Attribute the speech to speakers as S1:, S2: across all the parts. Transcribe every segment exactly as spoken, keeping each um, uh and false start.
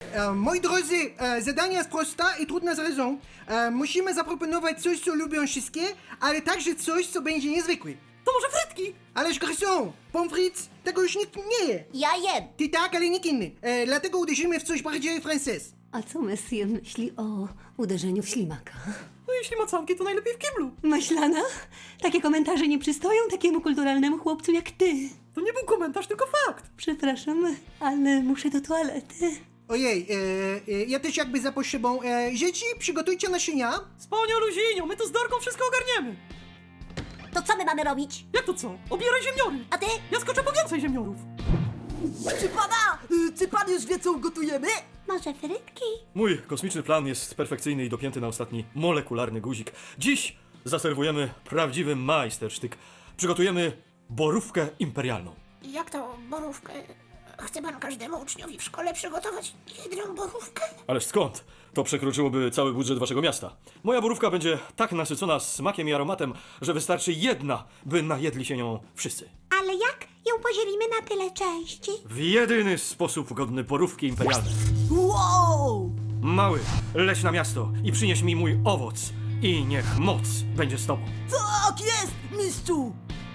S1: E, moi drodzy, e, zadanie jest proste i trudne z raison. E, musimy zaproponować coś, co lubią wszystkie, ale także coś, co będzie niezwykłe.
S2: To może frytki?
S1: Ależ garçon, pommes frites, tego już nikt nie je.
S3: Ja jem.
S1: Ty tak, ale nikt inny. E, dlatego uderzymy w coś bardziej frances.
S4: A co Monsieur myśli o uderzeniu w ślimaka?
S2: No jeśli macanki, to najlepiej w kiblu.
S4: Maślana? Takie komentarze nie przystoją takiemu kulturalnemu chłopcu jak ty.
S2: To nie był komentarz, tylko fakt.
S4: Przepraszam, ale muszę do toalety.
S1: Ojej, e, e, ja też jakby za potrzebą. E, dzieci, przygotujcie naczynia.
S2: Z panią Luzinio, my tu z Dorką wszystko ogarniemy.
S3: To co my mamy robić?
S2: Jak to co? Obieraj ziemniory.
S3: A ty?
S2: Ja skoczę po więcej ziemniorów.
S5: Czy pana, y, czy pan już wie, co ugotujemy?
S3: Może frytki?
S6: Mój kosmiczny plan jest perfekcyjny i dopięty na ostatni molekularny guzik. Dziś zaserwujemy prawdziwy majstersztyk. Przygotujemy borówkę imperialną.
S7: Jak to borówkę? Chce pan każdemu uczniowi w szkole przygotować jedną borówkę?
S6: Ależ skąd? To przekroczyłoby cały budżet waszego miasta. Moja borówka będzie tak nasycona smakiem i aromatem, że wystarczy jedna, by najedli się nią wszyscy.
S3: Ale jak ją podzielimy na tyle części?
S6: W jedyny sposób godny borówki imperialnej.
S5: Wow!
S6: Mały, leć na miasto i przynieś mi mój owoc. I niech moc będzie z tobą.
S5: Tak jest, mistrzu!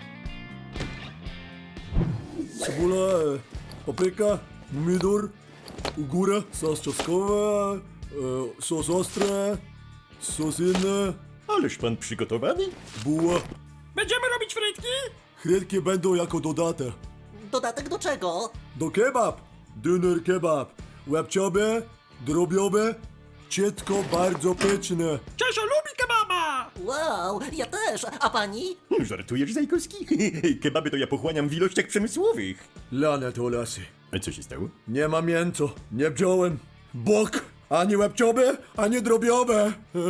S8: Cebula, e, papryka, pomidor, góra, sos czosnkowy, e, sos ostry, sos inny,
S9: Ależ pan przygotowany?
S8: buła.
S2: Będziemy robić frytki?
S8: Chrytki będą jako dodatek.
S5: Dodatek do czego?
S8: Do kebab, dyner kebab, łebciowe, drobiowe, ciecko bardzo pyszne.
S2: Czesio lubi kebaba!
S5: Wow, ja też, a pani?
S9: Żartujesz, Zajkowski? Kebaby to ja pochłaniam w ilościach przemysłowych.
S8: Lane to lasy.
S9: A co się stało?
S8: Nie ma mięso, nie wziąłem. Bok, ani łebciowe, ani drobiowe.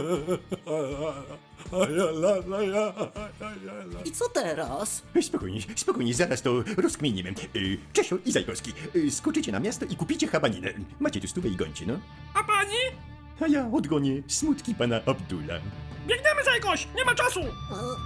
S5: I co teraz?
S9: Spokojnie, spokojnie, zaraz to rozkminimy. Y, Czesio i Zajkowski, y, skoczycie na miasto i kupicie habaninę. Macie tu stówę i gońcie, no.
S2: A pani?
S9: A ja odgonię smutki pana Abdula.
S2: Biegniemy za jakoś, nie ma czasu!
S5: E,